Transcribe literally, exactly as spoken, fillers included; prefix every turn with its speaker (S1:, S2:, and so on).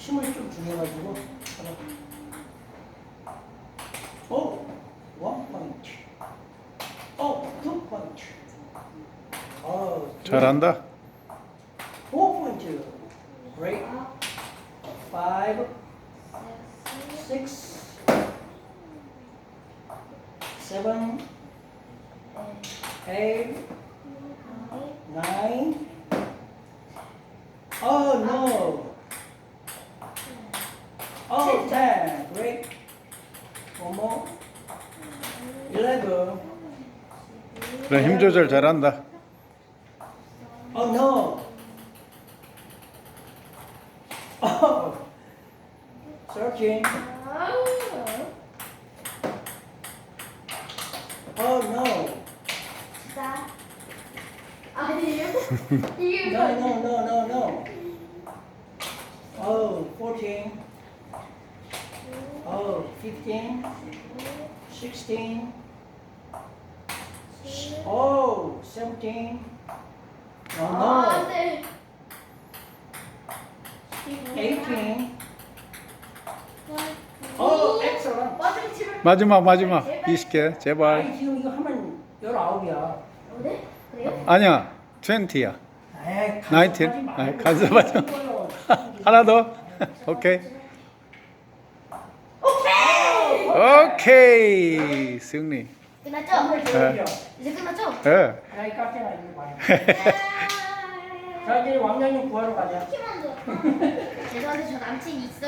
S1: 힘을 좀 주해가지고. 오, 원 포인트. 오, 투 포인트. 어,
S2: 잘한다.
S1: 포 포인트. Great. Five, six, seven, eight, nine. Oh no. Oh, ten. Great. One more. Eleven.
S2: 그래, 힘 조절 잘한다.
S1: Oh no. Oh. Thirteen. Oh no.
S3: 아니에요? 이게
S1: No, no, no, no, no. Oh, fourteen. Oh, fifteen. Sixteen. Oh, seventeen. Oh
S3: 아,
S1: no.
S3: 네.
S1: eighteen. Oh, excellent.
S3: 마지막 집을.
S2: 마지막 마지막 이십 개 제발.
S1: 아니, 지금 이거 하면 열아홉이야.
S3: 어, 네? 그래요?
S2: 아니야, 이십야.
S1: 에이,
S2: 나인틴.
S1: 간섭하지 말고.
S2: 아이, 간섭하지 마. 하나 더. 오케이. 오케이. 승리.
S3: 끝났죠?
S1: 네.
S3: 이제 끝났죠?
S2: 예.
S1: 야, 이 깍쟁아 이거 봐. 자, 이제 왕년님 구하러 가자.
S3: 키만 줘. 죄송한데 저 남친 있어.